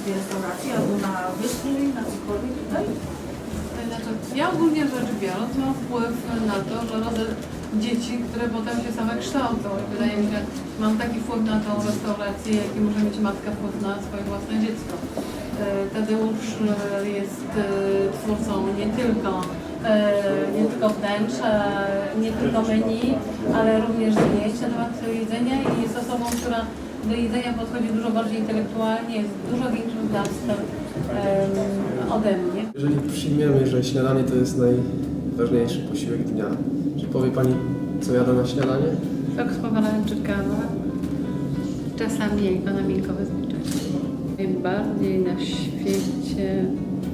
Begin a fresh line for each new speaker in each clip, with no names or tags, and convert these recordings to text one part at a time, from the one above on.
tej restauracji albo na wyspie, na cokolwiek tutaj?
Znaczy, ja ogólnie rzecz biorąc mam wpływ na to, że rodzę dzieci, które potem się same kształcą. I wydaje mi się, że mam taki wpływ na tą restaurację, jaki może mieć matka wpływ na swoje własne dziecko. Tadeusz jest twórcą nie tylko wnętrza, nie tylko menu, ale również zdjęć na temat jedzenia i jest osobą, która do jedzenia podchodzi dużo bardziej intelektualnie, jest dużo większym znawcą ode mnie.
Jeżeli przyjmiemy, że śniadanie to jest najważniejszy posiłek dnia, czy powie Pani, co jada na śniadanie?
Sok z pomarańczy, kawa, czasami jajko na miękkowe zniczenie. Najbardziej na świecie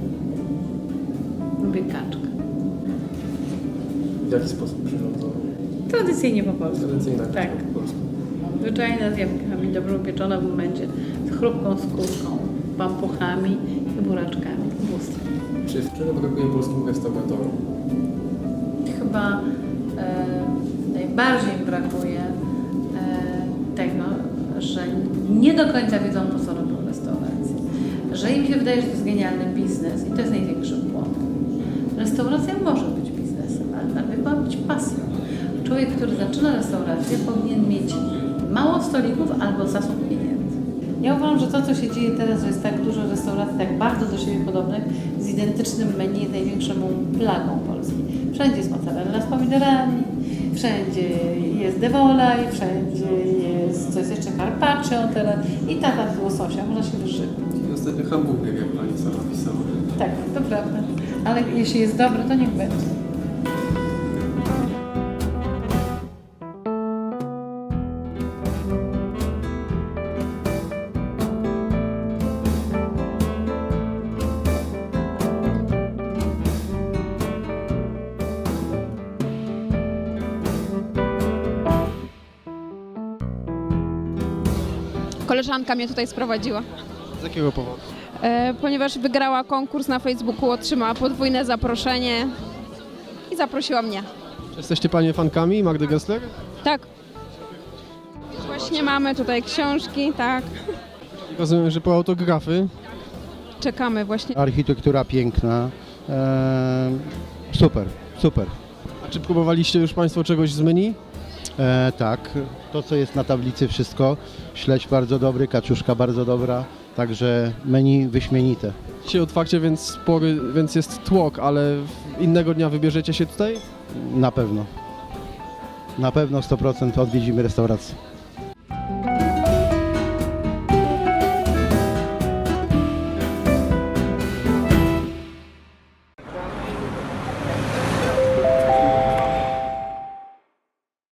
lubię kaczkę.
W jaki sposób przyrządzone?
Tradycyjnie po polsku.
Tradycyjna kaczka
Tak.
po polsku.
Zwyczajna z jabłkami, dobrze upieczona w momencie, z chrupką skórką, pampuchami i buraczkami. Bóstwo.
Czy czego brakuje polskim restauratorom?
Chyba najbardziej brakuje tego, że nie do końca wiedzą, po co robią restaurację. Że im się wydaje, że to jest genialny biznes i to jest największy błąd. Restauracja może być biznesem, ale najpierw ma być pasją. Człowiek, który zaczyna restaurację, powinien mieć mało stolików albo zasób pieniędzy. Ja uważam, że to, co się dzieje teraz, że jest tak dużo restauracji, tak bardzo do siebie podobnych, z identycznym menu, jest największą plagą Polski. Wszędzie jest mozzarella z pomidorami, wszędzie jest dewola i wszędzie jest coś jeszcze carpaccio teraz i tata z łososia, można się wyżywać.
I ostatnio hamburger, jak Pani sama pisała.
Tak, to prawda. Ale jeśli jest dobre, to niech będzie.
Koleżanka mnie tutaj sprowadziła,
Z jakiego powodu?
ponieważ wygrała konkurs na Facebooku, otrzymała podwójne zaproszenie i zaprosiła mnie.
Czy jesteście Panie fankami Magdy Gessler?
Tak. Właśnie mamy tutaj książki, tak.
Rozumiem, że po autografy.
Czekamy właśnie.
Architektura piękna, super, super.
A czy próbowaliście już Państwo czegoś z menu?
Tak, to co jest na tablicy wszystko, śledź bardzo dobry, kaczuszka bardzo dobra, także menu wyśmienite.
Dzisiaj otwarcie, więc jest tłok, ale innego dnia wybierzecie się tutaj?
Na pewno 100% odwiedzimy restaurację.